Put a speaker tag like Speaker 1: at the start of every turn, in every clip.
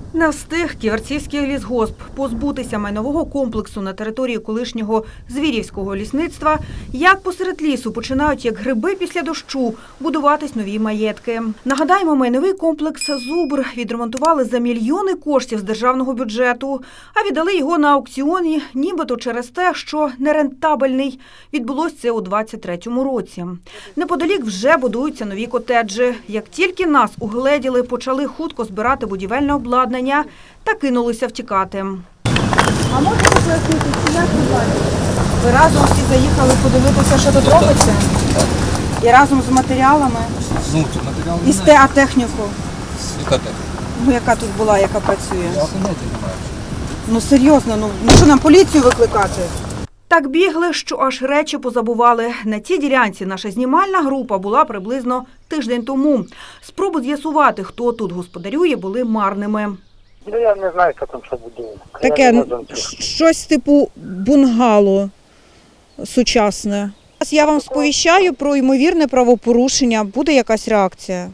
Speaker 1: Не встиг Ківерцівський лісгосп позбутися майнового комплексу на території колишнього Звірівського лісництва, як посеред лісу починають, як гриби після дощу, будуватись нові маєтки. Нагадаємо, майновий комплекс «Зубр» відремонтували за мільйони коштів з державного бюджету, а віддали його на аукціоні нібито через те, що нерентабельний. Відбулося це у 23-му році. Неподалік вже будуються нові котеджі. Як тільки нас угледіли, почали хутко збирати будівельне обладнання та кинулися втікати.
Speaker 2: А можете пояснити, чи як ви бачите?
Speaker 1: Ви разом всі заїхали подивитися, що тут робиться? І разом з матеріалами?
Speaker 3: Ну, тут матеріал
Speaker 1: І техніку?
Speaker 3: Яка техніка?
Speaker 1: Ну, яка тут була, яка працює?
Speaker 3: Я поняття не маю.
Speaker 1: Ну, серйозно, що нам поліцію викликати? Так бігли, що аж речі позабували. На цій ділянці наша знімальна група була приблизно тиждень тому. Спроби з'ясувати, хто тут господарює, були марними.
Speaker 4: Ну, я не знаю, хто там що будує.
Speaker 5: Таке щось типу бунгало сучасне. Я вам сповіщаю про ймовірне правопорушення. Буде якась реакція?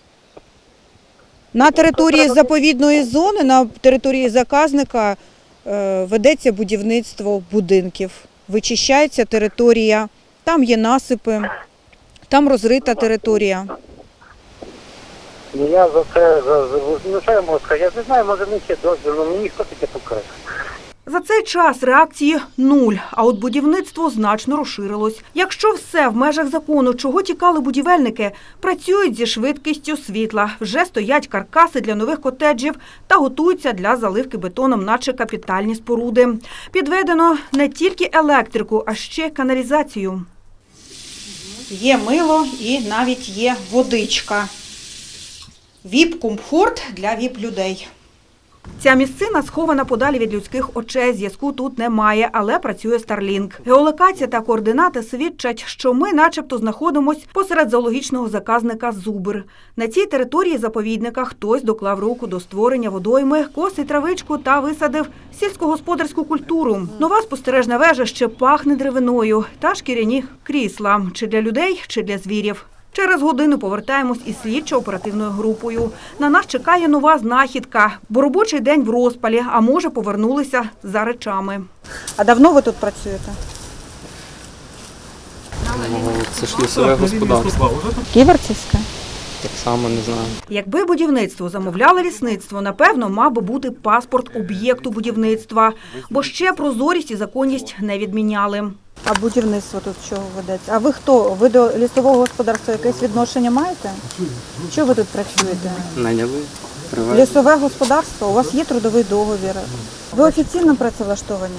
Speaker 5: На території заповідної зони, на території заказника ведеться будівництво будинків. Вичищається територія, там є насипи, там розрита територія.
Speaker 4: Ну, я за це, ну, що я можу сказати? Я не знаю, може в них є дозвіл, але мені хто таке покаже.
Speaker 1: За цей час реакції – нуль, а от будівництво значно розширилось. Якщо все в межах закону, чого тікали будівельники, працюють зі швидкістю світла. Вже стоять каркаси для нових котеджів та готуються для заливки бетоном, наче капітальні споруди. Підведено не тільки електрику, а ще каналізацію. Є мило і навіть є водичка. ВІП-комфорт для ВІП-людей. Ця місцина схована подалі від людських очей, зв'язку тут немає, але працює Starlink. Геолокація та координати свідчать, що ми начебто знаходимося посеред зоологічного заказника «Зубр». На цій території заповідника хтось доклав руку до створення водойми, косить травичку та висадив сільськогосподарську культуру. Нова спостережна вежа ще пахне деревиною та шкіряні крісла. Чи для людей, чи для звірів. Через годину повертаємось із слідчо-оперативною групою. На нас чекає нова знахідка, бо робочий день в розпалі, а може повернулися за речами. А давно ви тут працюєте?
Speaker 6: Це ж лісове господарство.
Speaker 5: Ківерцівське?
Speaker 6: Так само не знаю.
Speaker 1: Якби будівництво замовляло лісництво, напевно, мав би бути паспорт об'єкту будівництва, бо ще прозорість і законність не відміняли.
Speaker 5: А будівництво тут чого ведеться? А ви хто? Ви до лісового господарства якесь відношення маєте? Що ви тут працюєте?
Speaker 6: Наняли, привезли.
Speaker 5: Лісове господарство? У вас є трудовий договір? Ви офіційно працевлаштовані?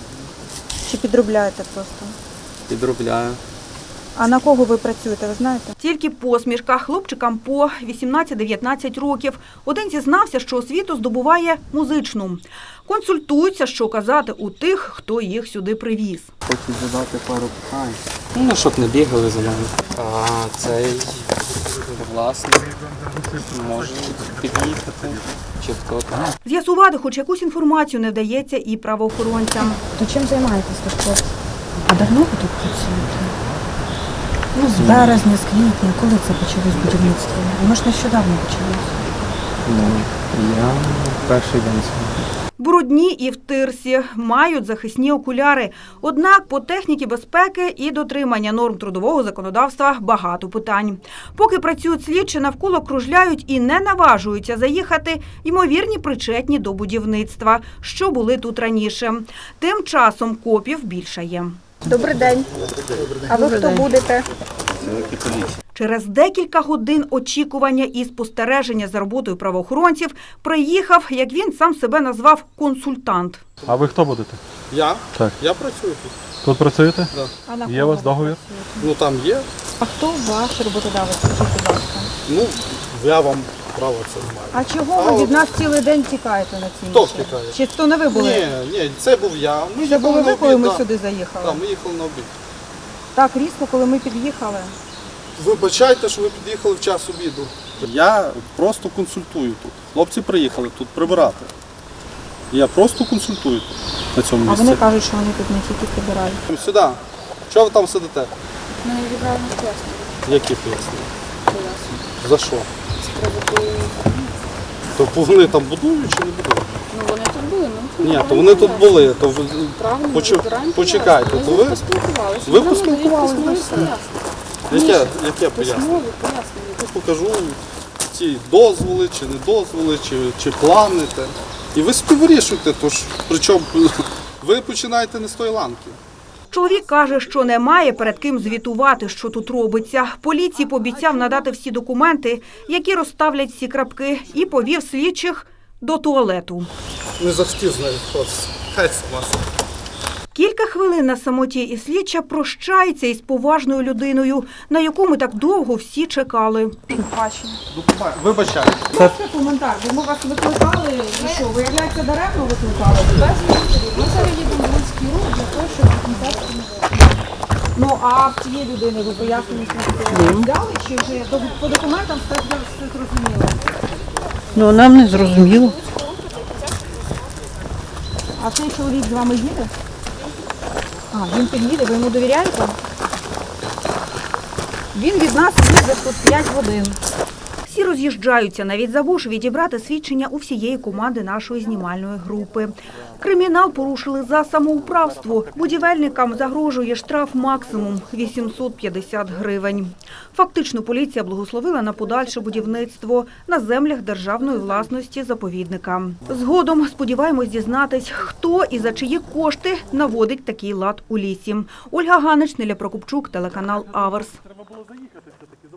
Speaker 5: Чи підробляєте просто?
Speaker 6: Підробляю.
Speaker 5: А на кого ви працюєте, ви знаєте?
Speaker 1: Тільки посмішка. Хлопчикам по 18-19 років. Один зізнався, що освіту здобуває музичну. Консультуються, що казати у тих, хто їх сюди привіз.
Speaker 6: Хочу задати пару питань. Ну, щоб не бігали за мене. А цей власник може під'їхати. Чи хто там.
Speaker 1: З'ясувати хоч якусь інформацію не вдається і правоохоронцям.
Speaker 2: То чим займаєтесь тут, хлопці? А давно ви тут працюєте? Ну, з березня, з квітня. Коли це почалось будівництво? Воно ж нещодавно почалось.
Speaker 6: Ну, я перший день сьогодні.
Speaker 1: Брудні і в тирсі, мають захисні окуляри. Однак по техніці безпеки і дотримання норм трудового законодавства багато питань. Поки працюють слідчі, навколо кружляють і не наважуються заїхати ймовірні причетні до будівництва, що були тут раніше. Тим часом копів більше є.
Speaker 2: Добрий день. А ви хто будете?
Speaker 1: Через декілька годин очікування і спостереження за роботою правоохоронців приїхав, як він сам себе назвав, консультант.
Speaker 7: А ви хто будете?
Speaker 8: Я?
Speaker 7: Так.
Speaker 8: Я працюю тут.
Speaker 7: Тут працюєте?
Speaker 8: Да.
Speaker 5: А на
Speaker 7: Є у вас договір?
Speaker 8: Ну там є.
Speaker 5: А хто ваш роботодавець? Скажіть, будь ласка.
Speaker 8: Ну, я вам право це не маю.
Speaker 5: А чого ви від нас цілий день тікаєте на цій
Speaker 8: Хто
Speaker 5: місці?
Speaker 8: втікає?
Speaker 5: Чи то не ви були?
Speaker 8: Ні, це був я. Ми
Speaker 5: Це були
Speaker 8: їхали
Speaker 5: ви,
Speaker 8: на
Speaker 5: коли
Speaker 8: обід,
Speaker 5: ми
Speaker 8: да.
Speaker 5: сюди заїхали?
Speaker 8: Так, ми їхали на обід.
Speaker 5: Так різко, коли ми під'їхали.
Speaker 8: Вибачайте, що ви під'їхали в час обіду. Я просто консультую тут. Хлопці приїхали тут прибирати. Я просто консультую тут, на цьому
Speaker 5: А
Speaker 8: місці.
Speaker 5: вони кажуть, що вони тут не тільки прибирають.
Speaker 8: Сюди. Чого ви там сидите?
Speaker 2: Ну, я відправила на пояснення.
Speaker 8: Які пояснення? За що? То вони там будують чи не будують?
Speaker 7: Ну вони тут були, ну.
Speaker 8: Ні, то вони тут були. То ви
Speaker 7: Правильно,
Speaker 8: почекайте, то ви
Speaker 7: поспілкувалися.
Speaker 8: ви поспілкувалися з ним? Яке пояснення?
Speaker 7: Письмові пояснення.
Speaker 8: Я покажу ці дозволи, чи не дозволи, чи плани. І ви собі вирішуєте, тож причому ви починаєте не з тої ланки.
Speaker 1: Чоловік каже, що не має перед ким звітувати, що тут робиться. Поліції пообіцяв надати всі документи, які розставлять всі крапки, і повів слідчих до туалету.
Speaker 8: Не захотів з нею ходити. Хай сама.
Speaker 1: Кілька хвилин на самоті і слідча прощається із поважною людиною, на яку ми так довго всі чекали.
Speaker 8: Вибачайте.
Speaker 2: Коментар, бо ми вас викликали, і що, виявляється, даремно викликали?
Speaker 7: Ми зараз їдемо в Луцький рух для того, щоб документацію не було.
Speaker 2: Ну, а в цієї людини ви пояснення взяли, чи вже по документам все зрозуміло?
Speaker 5: Ну, нам не зрозуміло.
Speaker 2: А цей чоловік з вами їде? А, він під'їде, ви йому довіряєте? Він від нас їздить тут 5 годин.
Speaker 1: Всі роз'їжджаються, навіть забувши відібрати свідчення у всієї команди нашої знімальної групи. Кримінал порушили за самоуправство. Будівельникам загрожує штраф максимум – 850 гривень. Фактично поліція благословила на подальше будівництво на землях державної власності заповідника. Згодом сподіваємось дізнатись, хто і за чиї кошти наводить такий лад у лісі. Ольга Ганич, Неля Прокопчук, телеканал Аверс.